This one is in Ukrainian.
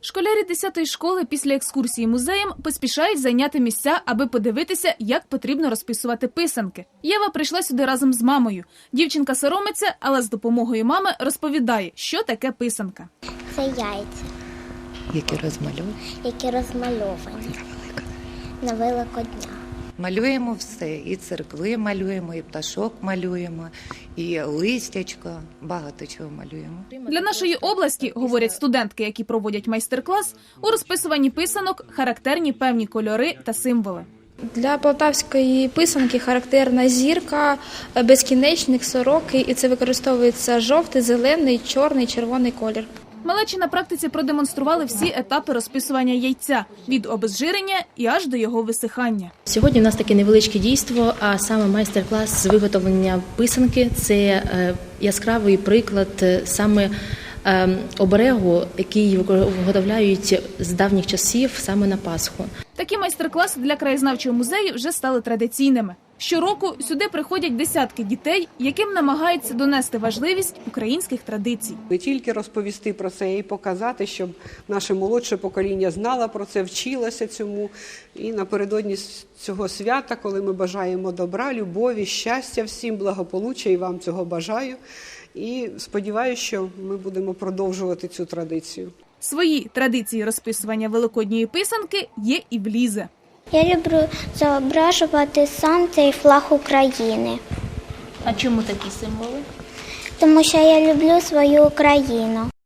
Школярі 10-ї школи після екскурсії музеєм поспішають зайняти місця, аби подивитися, як потрібно розписувати писанки. Єва прийшла сюди разом з мамою. Дівчинка соромиться, але з допомогою мами розповідає, що таке писанка. Це яйця, які розмальовані на Великодня. Малюємо все, і церкви малюємо, і пташок малюємо, і листячко, багато чого малюємо. Для нашої області, говорять студентки, які проводять майстер-клас, у розписуванні писанок характерні певні кольори та символи. Для полтавської писанки характерна зірка, безкінечник, сороки, і це використовується жовтий, зелений, чорний, червоний колір. Малечі на практиці продемонстрували всі етапи розписування яйця – від обезжирення і аж до його висихання. Сьогодні у нас таке невеличке дійство, а саме майстер-клас з виготовлення писанки. Це яскравий приклад саме оберегу, який виготовляють з давніх часів саме на Пасху. Такі майстер-класи для краєзнавчого музею вже стали традиційними. Щороку сюди приходять десятки дітей, яким намагаються донести важливість українських традицій. Не тільки розповісти про це, а й показати, щоб наше молодше покоління знало про це, вчилося цьому. І напередодні цього свята, коли ми бажаємо добра, любові, щастя всім, благополуччя, і вам цього бажаю. І сподіваюся, що ми будемо продовжувати цю традицію. Свої традиції розписування великодньої писанки є і в Лізи. Я люблю зображувати сонце і флаг України. А чому такі символи? Тому що я люблю свою Україну.